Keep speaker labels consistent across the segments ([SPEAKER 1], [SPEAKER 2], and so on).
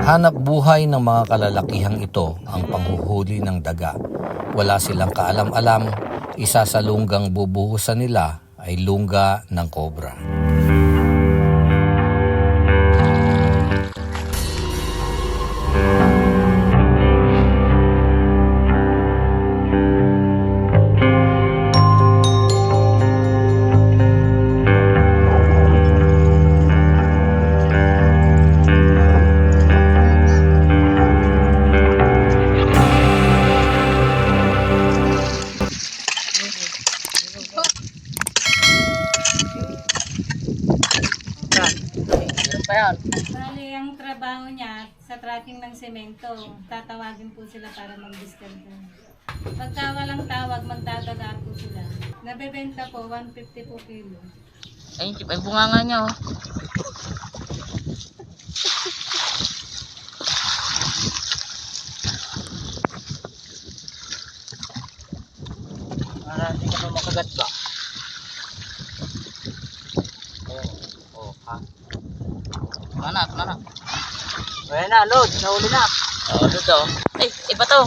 [SPEAKER 1] Hanap buhay ng mga kalalakihang ito ang panghuhuli ng daga. Wala silang kaalam-alam, isa sa lunggang bubuhusan nila ay lungga ng kobra.
[SPEAKER 2] Bali, ang trabaho niya sa tracking ng semento, tatawagin po sila para mag-discount. Pagka walang tawag, magdadaga po sila. Nabebenta po, 150 po kilo.
[SPEAKER 3] Ay, bunga nga niya oh. Para hindi ka pa makagat ba? Oh, ha? Mana? Ayan na, load. Nahuli na. Oo, load oh. Ay, bato.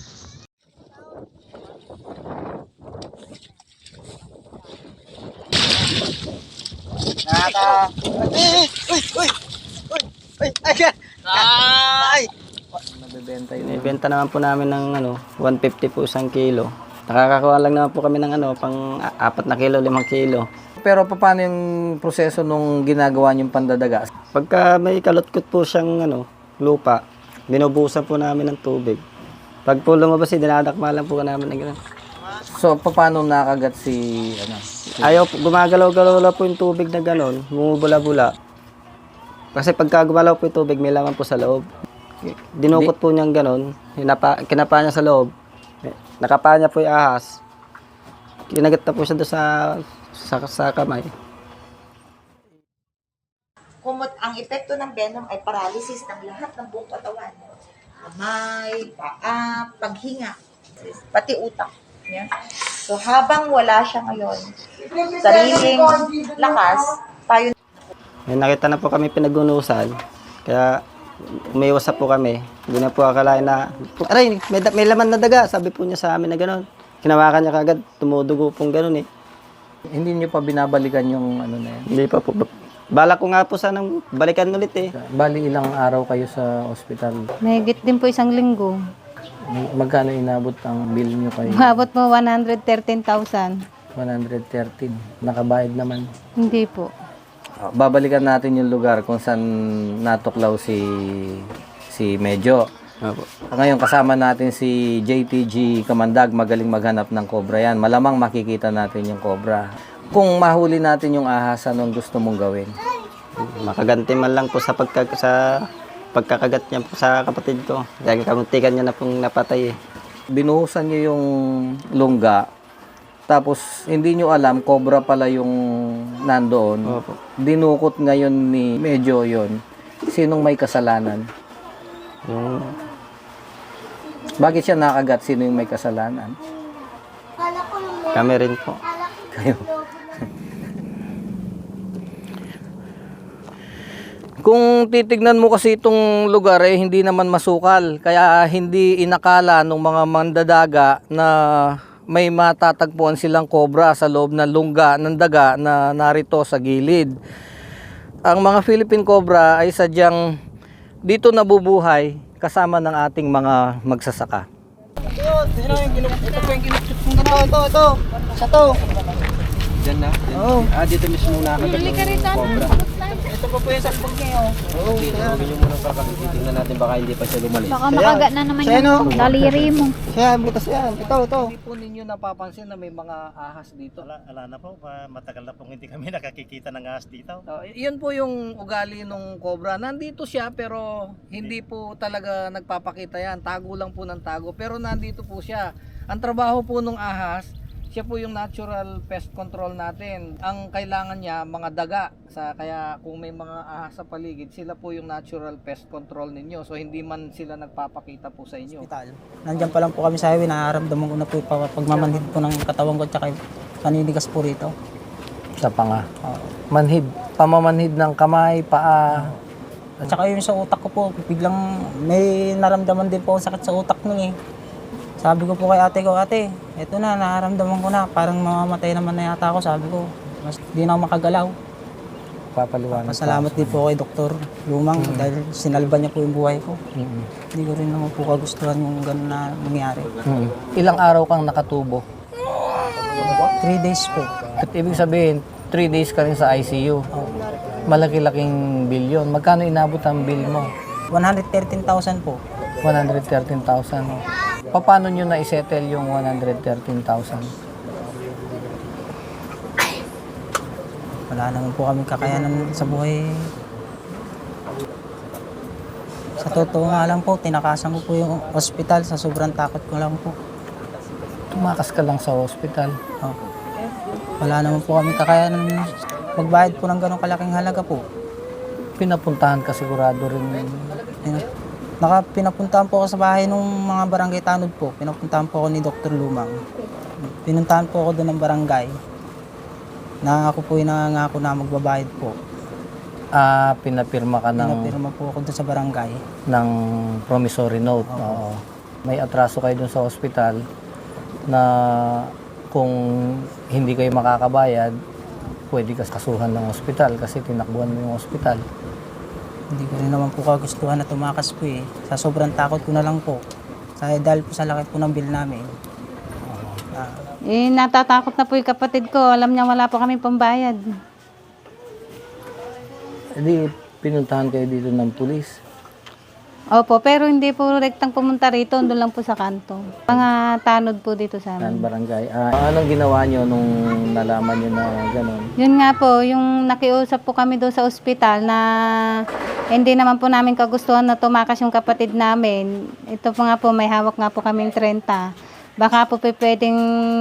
[SPEAKER 3] Ay!
[SPEAKER 4] Nabebenta yun. Ibenta naman po namin ng 150 po isang kilo. Nakakakuha lang naman po kami ng pang 4 na kilo, 5 kilo.
[SPEAKER 1] Pero paano yung proseso nung ginagawa niyong pandadaga?
[SPEAKER 4] Pagka may kalutkot po siyang lupa, binubusan po namin ng tubig. Pag po lumabas, dinadakma lang po namin ng gano'n.
[SPEAKER 1] So paano nakagat si
[SPEAKER 4] Ayaw, gumagalaw-galaw lang po yung tubig na gano'n, bumubula-bula. Kasi pagka gumalaw po yung tubig, may laman po sa loob. Dinukot po niyang gano'n, kinapa niya sa loob. Nakapa niya po yung ahas. Kinagat na po siya doon sa kamay.
[SPEAKER 5] Kumot ang epekto ng venom ay paralysis ng lahat ng buong katawan. Kamay, paa, paghinga, pati utak. Yan. So habang wala siya ngayon, sariling lakas, tayo.
[SPEAKER 4] May nakita na po kami pinagunusan, kaya umiwas na po kami. Hindi na po akalain na, aray, may laman na daga, sabi po niya sa amin na gano'n. Kinawakan niya kagad, tumudugo pong gano'n eh.
[SPEAKER 1] Hindi niyo pa binabalikan yung na yan?
[SPEAKER 4] Hindi pa po. Balak ko nga po sanang balikan ulit eh.
[SPEAKER 1] Bali ilang araw kayo sa ospital?
[SPEAKER 2] Mahigit din po isang linggo.
[SPEAKER 1] Magkano inabot ang bill niyo kayo?
[SPEAKER 2] Umabot mo 113,000.
[SPEAKER 1] 113. Nakabayad naman.
[SPEAKER 2] Hindi po.
[SPEAKER 1] Babalikan natin yung lugar kung saan natuklaw si Medyo.
[SPEAKER 4] Opo.
[SPEAKER 1] Ngayon kasama natin si JTG Kamandag, magaling maghanap ng cobra yan. Malamang makikita natin yung cobra. Kung mahuli natin yung ahas, anong gusto mong gawin?
[SPEAKER 4] Makaganti man lang po sa pagkakagat niya po sa kapatid ko. Dahil kamuntikan niya na pong napatay eh.
[SPEAKER 1] Binuhusan niyo yung lungga, tapos hindi niyo alam, cobra pala yung nandoon.
[SPEAKER 4] Opo.
[SPEAKER 1] Dinukot ngayon ni Medyo yon. Sinong may kasalanan?
[SPEAKER 4] Yung
[SPEAKER 1] Bakit siya nakagat? Sino yung may kasalanan?
[SPEAKER 4] kami rin po.
[SPEAKER 1] Kayo. Kung titignan mo kasi itong lugar hindi naman masukal. Kaya hindi inakala ng mga mandadaga na may matatagpuan silang cobra sa loob ng lungga ng daga na narito sa gilid. Ang mga Philippine cobra ay sadyang dito nabubuhay kasama ng ating mga magsasaka.
[SPEAKER 4] Diyan na? Oo. Dito mismo nakakagat ng cobra. Ito pa po yung sakbog niya. Oo. Tingnan nyo muna titingnan natin baka hindi pa siya lumalis.
[SPEAKER 6] Baka makagat na naman yung daliri mo.
[SPEAKER 4] Siya, butas yan. Ito.
[SPEAKER 1] Hindi po ninyo napapansin na may mga ahas dito.
[SPEAKER 7] Wala na po, matagal na pong hindi kami nakakikita ng ahas dito.
[SPEAKER 1] Yun po yung ugali ng cobra. Nandito siya pero hindi po talaga nagpapakita yan. Tago lang po ng tago. Pero nandito po siya. Ang trabaho po ng ahas, siya po yung natural pest control natin. Ang kailangan niya, mga daga. Kaya kung may mga ahas sa paligid, sila po yung natural pest control ninyo. So hindi man sila nagpapakita po sa inyo.
[SPEAKER 8] Nandiyan pa lang po kami sa highway, nararamdaman ko na po yung pagmamanhid po ng katawan ko at saka kaninigas po rito.
[SPEAKER 1] Sa panga. Manhid. Pamamanhid ng kamay, paa.
[SPEAKER 8] At saka yung sa utak ko po, biglang may naramdaman din po akong sakit sa utak nun eh. Sabi ko po kay ate ko, ate, eto na, nararamdaman ko na, parang mamamatay naman na yata ako, sabi ko. Mas di na ako makagalaw.
[SPEAKER 4] Papaliwanag.
[SPEAKER 8] Pasalamat din po kay Dr. Lumang dahil sinalba niya po yung buhay ko. Hindi ko rin naman po kagustuhan yung gano'n na nangyari.
[SPEAKER 1] Ilang araw kang nakatubo?
[SPEAKER 8] 3 days po.
[SPEAKER 1] At ibig sabihin, 3 days ka rin sa ICU. Malaki-laking bill yun. Magkano inabot ang bill mo?
[SPEAKER 8] 113,000 po.
[SPEAKER 1] 113,000. Paano nyo na-settle yung 113,000?
[SPEAKER 8] Wala naman po kami kakayanan sa buhay. Sa totoo nga lang po, tinakasan ko po yung ospital sa sobrang takot ko lang po.
[SPEAKER 1] Tumakas ka lang sa hospital.
[SPEAKER 8] Oh. Wala naman po kami kakayanan magbayad po ng ganong kalaking halaga po.
[SPEAKER 1] Pinapuntahan ka sigurado rin.
[SPEAKER 8] Pinapuntahan po ako sa bahay ng mga barangay tanod po. Pinapuntahan po ako ni Dr. Lumang. Pinuntahan po ako doon ng barangay. Na ako po yung nangangako na magbabayad po.
[SPEAKER 1] Pinapirma ka
[SPEAKER 8] Pinapirma po ako doon sa barangay.
[SPEAKER 1] ng promissory note. Oo. May atraso kayo dun sa hospital na kung hindi kayo makakabayad, pwede ka kasuhan ng hospital kasi tinakbuhan mo yung hospital.
[SPEAKER 8] Hindi ko rin naman po kagustuhan na tumakas po eh. Sa sobrang takot ko na lang po. Dahil po sa laki po ng bill namin.
[SPEAKER 2] Natatakot na po yung kapatid ko. Alam niya wala po kami pambayad.
[SPEAKER 1] Hindi, pinuntahan kayo dito ng pulis.
[SPEAKER 2] Opo, pero hindi po rektang pumunta rito. Doon lang po sa kanto. Mga tanod po dito sa
[SPEAKER 1] Ng
[SPEAKER 2] amin.
[SPEAKER 1] barangay. Anong ginawa nyo nung nalaman nyo na gano'n?
[SPEAKER 2] Yun nga po, yung nakiusap po kami doon sa ospital na hindi naman po namin kagustuhan na tumakas yung kapatid namin. Ito po nga po, may hawak nga po kaming 30. Baka po pwedeng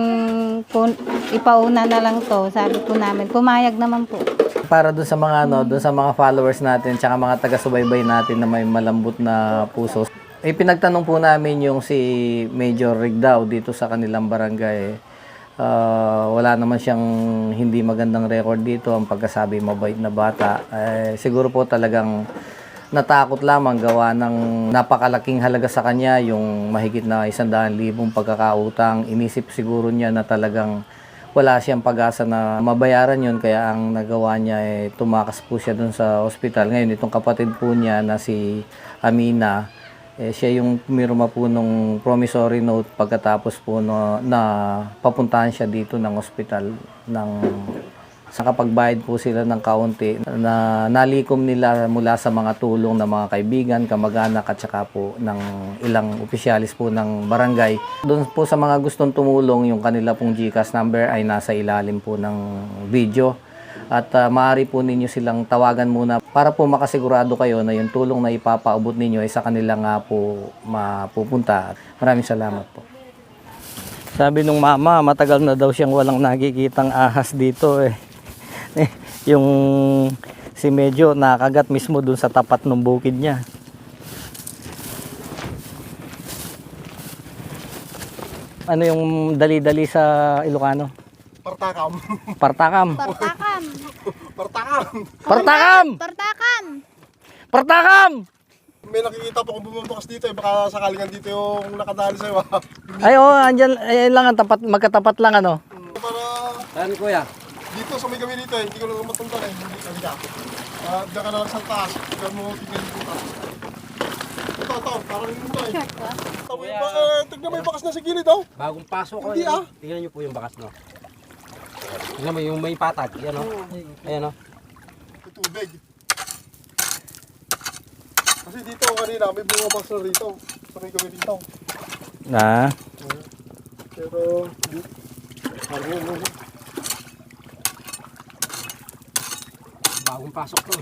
[SPEAKER 2] ipauna na lang to, sabi po namin. Pumayag naman po.
[SPEAKER 1] Para doon sa mga doon sa mga followers natin, tsaka mga taga-subaybay natin na may malambot na puso. Pinagtanong po namin yung si Major Rigdao dito sa kanilang barangay. Wala naman siyang hindi magandang record dito, ang pagkasabi mabait na bata. Siguro po talagang natakot lamang gawa ng napakalaking halaga sa kanya, yung mahigit na 100,000 pagkakautang. Inisip siguro niya na talagang wala siyang pag-asa na mabayaran yun, kaya ang nagawa niya tumakas po siya dun sa ospital. Ngayon, itong kapatid po niya na si Amina, siya yung pumirma po nung promissory note pagkatapos po na papuntahan siya dito ng ospital nakapagbayad po sila ng kaunti na nalikom nila mula sa mga tulong ng mga kaibigan, kamag-anak at saka po ng ilang opisyalis po ng barangay. Doon po sa mga gustong tumulong, yung kanila pong GCash number ay nasa ilalim po ng video. At maaari po ninyo silang tawagan muna para po makasigurado kayo na yung tulong na ipapaabot ninyo ay sa kanila nga po mapupunta. Maraming salamat po. Sabi nung mama, matagal na daw siyang walang nakikitang ahas dito eh. Yung si Medyo nakagat mismo dun sa tapat ng bukid niya. Ano yung dali-dali sa Ilocano?
[SPEAKER 7] Partakam.
[SPEAKER 1] Partakam.
[SPEAKER 6] Partakam!
[SPEAKER 7] Partakam!
[SPEAKER 1] Partakam!
[SPEAKER 6] Partakam!
[SPEAKER 1] Partakam!
[SPEAKER 7] May nakikita po kung bumabakas dito baka sakaling andito yung nakadali sa'yo.
[SPEAKER 1] Ay oo, andyan, ayan lang ang tapat, magkatapat lang ano.
[SPEAKER 7] Para
[SPEAKER 1] Saan kuya?
[SPEAKER 7] dito sa may gabi dito, hindi ko lang matunda eh. Hindi ka diyan. Diyan ka na lang sa taas. Diyan mo tingnan dito. Ito, parang ito eh. Tignan mo yung bakas na sa gilid oh.
[SPEAKER 9] Bagong pasok ko.
[SPEAKER 7] Hindi ah.
[SPEAKER 9] Tingnan niyo po yung bakas, no? Tingnan mo yung may patag. Yan, no? Ayan, no?
[SPEAKER 7] May tubig. Kasi dito kanina may bumabakas na rito. Sa may gabi dito.
[SPEAKER 1] Na?
[SPEAKER 7] Pero, parang yun.
[SPEAKER 9] Bagong pasok to.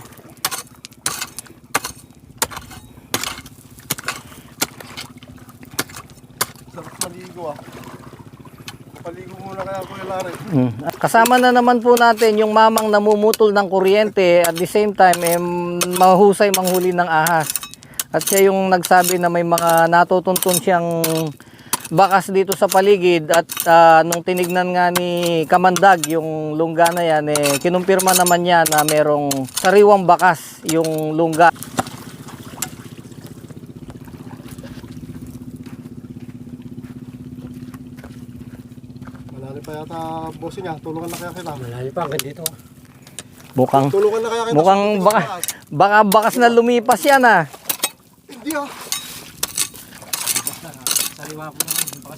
[SPEAKER 7] Sarap maligo ah. Mapaligo muna kaya Kuya Larry.
[SPEAKER 1] Kasama na naman po natin yung mamang namumutol ng kuryente at the same time mahusay manghuli ng ahas. At siya yung nagsabi na may mga natutuntun siyang bakas dito sa paligid at nung tinignan nga ni Kamandag yung lungga na yan, kinumpirma naman niya na merong sariwang bakas yung lungga.
[SPEAKER 7] kaya bossing niya, tulungan na kaya kita.
[SPEAKER 9] Malayo pa hanggang dito.
[SPEAKER 4] Mukhang,
[SPEAKER 7] Tulungan na kaya kita.
[SPEAKER 4] mukhang baka bakas na lumipas yan ah.
[SPEAKER 7] Hindi ah.
[SPEAKER 9] Sariwa po naman. Bakas.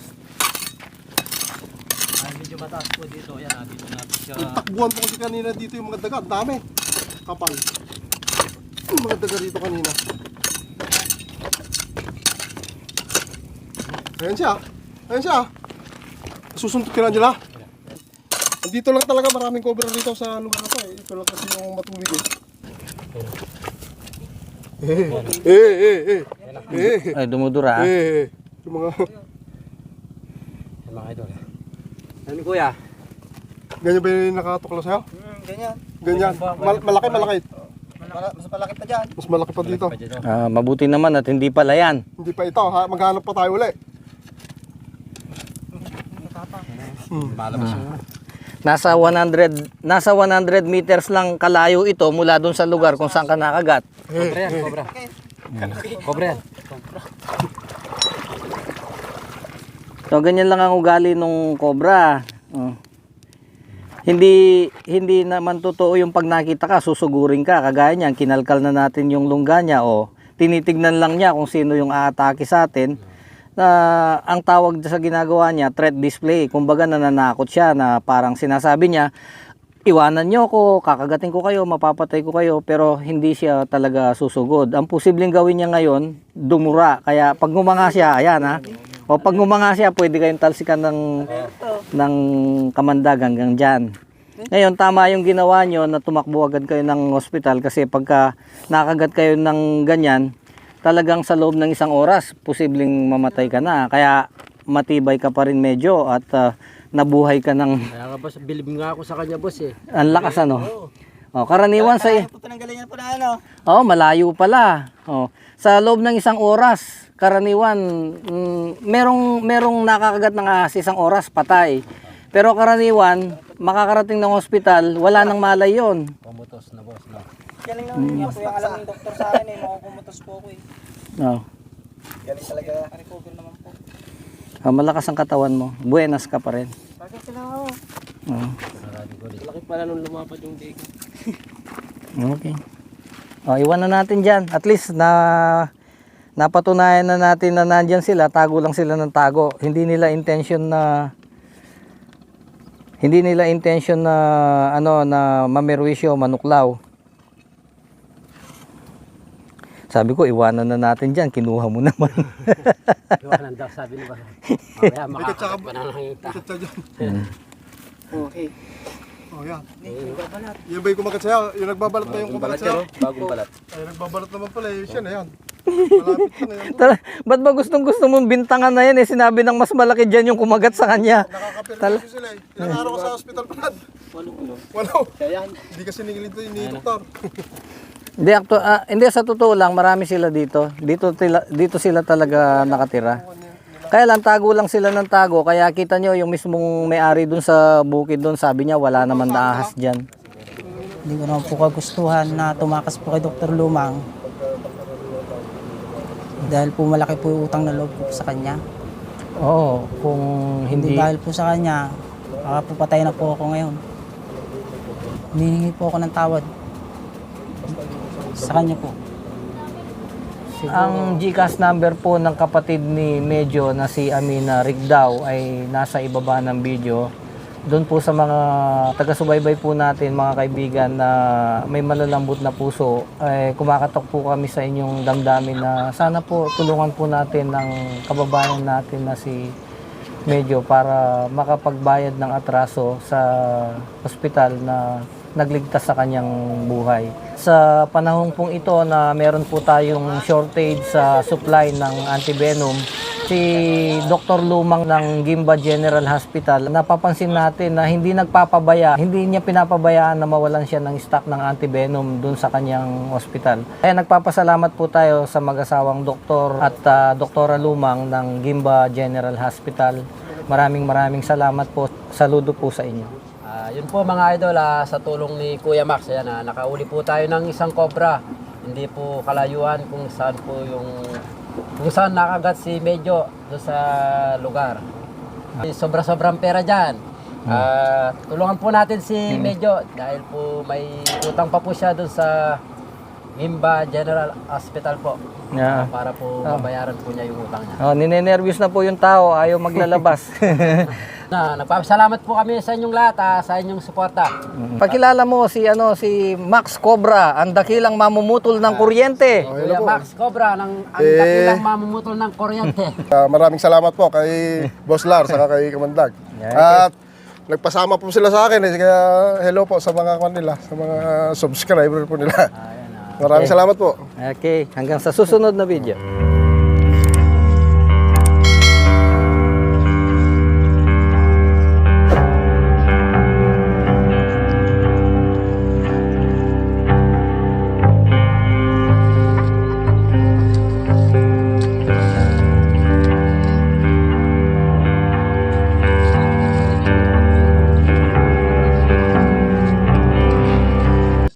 [SPEAKER 9] Ay, medyo mataas po dito. Yan, dito natin siya.
[SPEAKER 7] Takbuhan po kasi kanina dito yung mga daga. Ang dami. Kapal. Yung mga daga dito kanina. Ayan siya. Ayan siya. Susuntok ka na, Angela. Dito lang talaga maraming cobra dito sa lugar na to eh. Ito lang kasi yung matubig eh.
[SPEAKER 4] Ay, dumudura ah.
[SPEAKER 7] Yung mga
[SPEAKER 9] Yan mga idol. Ano kuya?
[SPEAKER 7] ganyan ba yung nakatuklaw sa'yo?
[SPEAKER 8] Ganyan.
[SPEAKER 7] Ganyan. Malaki, malaki.
[SPEAKER 8] Mas malaki pa dyan.
[SPEAKER 7] Mas malaki pa dito.
[SPEAKER 4] Mabuti naman at hindi pala yan.
[SPEAKER 7] Hindi pa ito. Ha? Maghanap pa tayo uli.
[SPEAKER 9] Malabas yung
[SPEAKER 4] Nasa 100 meters lang kalayo ito mula doon sa lugar kung saan ka nakagat.
[SPEAKER 9] Cobra yan, cobra. Cobra yan.
[SPEAKER 4] So ganyan lang ang ugali nung cobra. Hindi naman totoo yung pag nakita ka, susugurin ka. Kagaya niyan, kinalkal na natin yung lungga niya o tinitignan lang niya kung sino yung aatake sa atin. Ang tawag sa ginagawa niya, threat display. Kumbaga nananakot siya na parang sinasabi niya, iwanan niyo ako, kakagatin ko kayo, mapapatay ko kayo, pero hindi siya talaga susugod. Ang posibleng gawin niya ngayon, dumura. Kaya pag ngumanga siya, ayan ha, o pag ngumanga siya, pwede kayong talsikan ng kamandag hanggang dyan. Ngayon, tama yung ginawa nyo na tumakbo agad kayo ng hospital kasi pagka nakagat kayo ng ganyan, talagang sa loob ng 1 oras, posibleng mamatay ka na. Kaya matibay ka pa rin medyo at nabuhay ka ng...
[SPEAKER 9] Kaya nga boss, bilib nga ako sa kanya boss eh.
[SPEAKER 4] Ang lakas ano. Karaniwan sa...
[SPEAKER 8] Tinanggalin niya po na ano.
[SPEAKER 4] Malayo pala. Sa loob ng 1 oras, karaniwan, merong nakakagat ng ahas 1 oras, patay. Pero karaniwan, makakarating ng hospital, wala nang malay yun.
[SPEAKER 9] Pumutos na boss, no?
[SPEAKER 8] Galing naman niya po yung alam ng doktor sa akin eh. Makukumutos po ako eh. Galing talaga. Recover naman po.
[SPEAKER 4] Malakas ang katawan mo. Buenas ka pa rin.
[SPEAKER 8] Bakit sila ako?
[SPEAKER 9] Laki pala nung lumapad yung digo.
[SPEAKER 4] Okay. Iwan na natin dyan. At least napatunayan na natin na nandyan sila. Tago lang sila ng tago. Hindi nila intention na mamerwisyo, manuklaw. Sabi ko, iwanan na natin dyan. Kinuha mo naman.
[SPEAKER 9] Iwanan daw, sabi ni Bahay. Mamaya makakagat pa na lang yung
[SPEAKER 7] Ikot siya dyan.
[SPEAKER 8] Okay.
[SPEAKER 7] Oh, yan. Yan ba yung kumagat sa'yo? Yung nagbabalat ba yung kumagat sa'yo?
[SPEAKER 9] Bagong balat.
[SPEAKER 7] Ay, nagbabalat naman pala. Siya na yan. Malapit ka na yan.
[SPEAKER 4] Ba't ba gusto mong bintangan na yan eh? Sinabi ng mas malaki dyan yung kumagat sa kanya.
[SPEAKER 7] Nakakapirito sila eh. Ilang araw ka sa hospital pa. Walo. Hindi kasi ningilid to ni doktor.
[SPEAKER 4] Hindi, sa totoo lang, marami sila dito. Dito sila talaga nakatira. Kaya lang, tago lang sila ng tago. Kaya kita nyo, yung mismong may-ari dun sa bukid dun, sabi niya, wala naman na ahas dyan.
[SPEAKER 8] Hindi ko naman po kagustuhan na tumakas po kay Dr. Lumang. Dahil po malaki po yung utang na loob ko sa kanya.
[SPEAKER 4] Oo, kung
[SPEAKER 8] Hindi
[SPEAKER 4] hindi...
[SPEAKER 8] dahil po sa kanya, baka po patay na po ako ngayon. Hinihingi po ako ng tawad. Sa kanya po.
[SPEAKER 4] Ang GCash number po ng kapatid ni Medyo na si Amina Rigdao ay nasa ibaba ng video. Doon po sa mga taga-subaybay po natin, mga kaibigan na may malalambot na puso, ay kumakatok po kami sa inyong damdamin na sana po tulungan po natin ng kababayan natin na si Medyo para makapagbayad ng atraso sa ospital na nagligtas sa kanyang buhay. Sa panahon pong ito na meron po tayong shortage sa supply ng antivenom, si Dr. Lumang ng Gimba General Hospital, napapansin natin na hindi niya pinapabayaan na mawalan siya ng stock ng antivenom dun sa kanyang hospital. Kaya nagpapasalamat po tayo sa mag-asawang doktor at Doktora Lumang ng Gimba General Hospital. Maraming salamat po. Saludo po sa inyo.
[SPEAKER 9] Yun po mga idol, sa tulong ni Kuya Max, ayan, nakauli po tayo ng isang cobra. Hindi po kalayuan kung saan nakagat si Medyo doon sa lugar. Sobra-sobrang pera dyan. Tulungan po natin si Medyo dahil po may utang pa po siya doon sa Gimba General Hospital po.
[SPEAKER 4] Yeah.
[SPEAKER 9] Para po mabayaran po niya yung utang niya.
[SPEAKER 4] Oh, ninenervyos na po yung tao, ayaw maglalabas.
[SPEAKER 9] Nagpapasalamat po kami sa inyong lahat, sa inyong suporta.
[SPEAKER 1] Pakilala mo si Max Cobra, ang dakilang mamumutol ng kuryente.
[SPEAKER 9] Kuya Max Cobra, ang dakilang mamumutol ng kuryente.
[SPEAKER 7] Maraming salamat po kay Boss Lar saka kay Kamandag. At nagpasama po sila sa akin kaya hello po sa mga kanila, sa mga subscriber po nila. Maraming salamat po.
[SPEAKER 4] Okay, hanggang sa susunod na video.